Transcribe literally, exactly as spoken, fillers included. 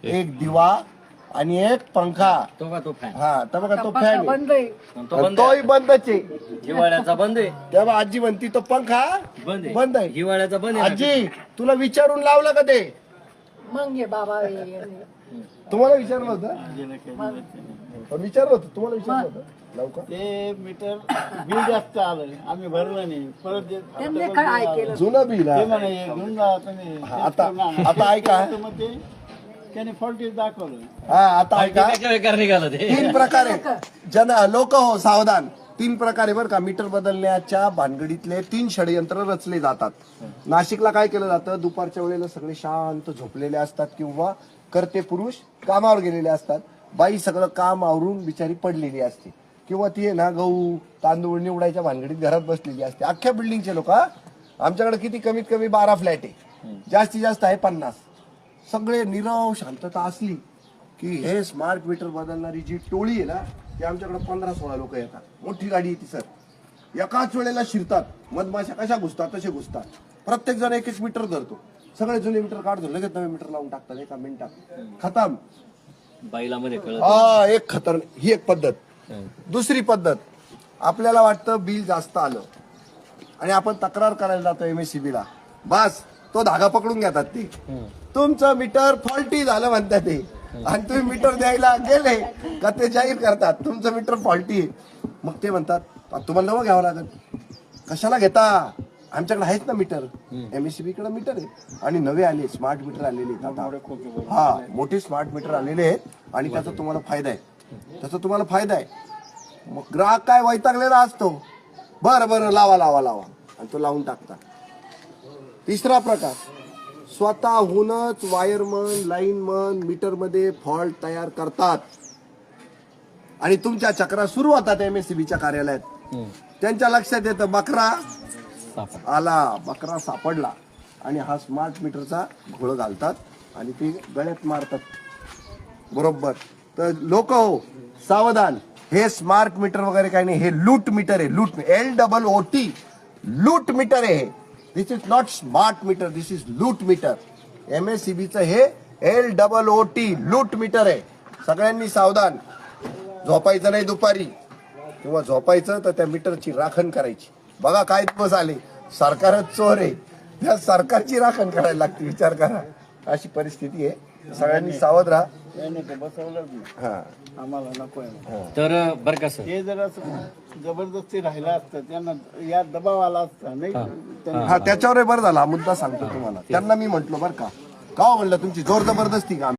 एक दिवा आणि एक पंखा. तो का तो फॅन हा तर बघा तो फॅन बंद आहे. तो बंद तोही बंदच आहे. हिवाळ्याचा बंद आहे. तेव्हा आजी म्हणती तो पंखा बंद आहे. बंद आहे. हिवाळ्याचा बंद आहे. आजी तुला विचारून लावलं का ते? मग ये बाबा ये. तुम्हाला विचारलं होतं? विचारलं होतं तुम्हाला विचारलं होतं लवकर. ते मीटर बिल जास्त आलं आम्ही भरलं नाही परत जे- त्यांनी काय केलं? जुनं बिल ते हा. म्हणे हे घेऊन जा तुम्ही हा, आता आता ऐका तर मग ते त्याने फॉल्टी दाखवलं. हा आता ऐका काय बेकार निघालं ते. तीन प्रकारे जन लोक हो सावधान. तीन प्रकारे बरं का मीटर बदलण्याच्या भानगडीतले तीन षडयंत्र रचले जातात. नाशिकला काय केलं जातं, दुपारच्या वेळेला सगळे शांत झोपलेले असतात किंवा करते पुरुष कामावर गेलेले असतात. बाई सगळं काम आवरून बिचारी पडलेली असते किंवा ती आहे ना गहू तांदूळ निवडायच्या भानगडीत घरात बसलेली असते. अख्ख्या बिल्डिंगचे लोक, आमच्याकडे किती कमीत कमी बारा फ्लॅट आहे, जास्तीत जास्त आहे पन्नास. सगळे निरव शांतता असली की हे स्मार्ट मीटर बदलणारी जी टोळी आहे ना ती आमच्याकडे पंधरा सोळा लोक येतात. मोठी गाडी येते सर, एकाच वेळेला शिरतात. मधमाशा कशा घुसतात तसे घुसतात. प्रत्येक जण एक एक मीटर धरतो. सगळे जुने मीटर काढतो, लगेच नवे मीटर लावून टाकतात एका मिनिटात. खतम. बाईला मध्ये कळत हा एक खतर ही एक पद्धत. दुसरी पद्धत, आपल्याला वाटतं बिल जास्त आलं आणि आपण तक्रार करायला जातो एमएससीबी ला. बस तो धागा पकडून घेतात ते, तुमचं मीटर फॉल्टी झालं म्हणतात ते. आणि तुम्ही मीटर द्यायला गेले का ते जाहीर करतात तुमचं मीटर फॉल्टी आहे. मग ते म्हणतात तुम्हाला नवं घ्यावं लागेल. कशाला घेता, आमच्याकडे आहेत ना मीटर. एमएससीबी कडे मीटर आहे आणि नवे आले स्मार्ट मीटर आलेले आहेत. हा मोठे स्मार्ट मीटर आलेले आहेत आणि त्याचा तुम्हाला फायदा आहे. त्याचा तुम्हाला फायदा आहे. मग ग्राहक काय वैतागलेला असतो, बरं बरं लावा लावा लावा आणि तो लावून टाकता. तिसरा प्रकार, स्वतःहूनच वायरमन लाईनमन मीटर मध्ये फॉल्ट तयार करतात आणि तुमच्या चक्रा सुरू होतात एमएससीबीच्या कार्यालयात. त्यांच्या लक्षात येतं बकरा आला, बकरा सापडला आणि हा स्मार्ट मीटरचा घोळ घालतात आणि ते गळ्यात मारतात. बरोबर. तर लोक हो सावधान, हे स्मार्ट मीटर वगैरे काही नाही, हे लूट मीटर आहे. Loot, L double O T, loot meter आहे. This is not smart meter, this is loot meter. एमएससीबीचं हे L double O T loot meter आहे. सगळ्यांनी सावधान. झोपायचं नाही दुपारी, किंवा झोपायचं तर त्या मीटरची राखण करायची. बघा काय दिवस आले, सरकारच चोर आहे, त्या सरकारची राखण करायला लागते. विचार करा, अशी परिस्थिती आहे. सगळ्यांनी सावध राहा. त्याने ते बसवलं बी. हा आम्हाला नको आहे. तर बरं का सर, ते जर असं जबरदस्ती राहिलं असतं त्यांना या दबाव आला असता नाही त्यांना- हा त्याच्यावर बरं झाला. हा मुद्दा सांगतो तुम्हाला. त्यांना मी म्हंटलो बरं का, का हो म्हणलं तुमची जोर जबरदस्ती का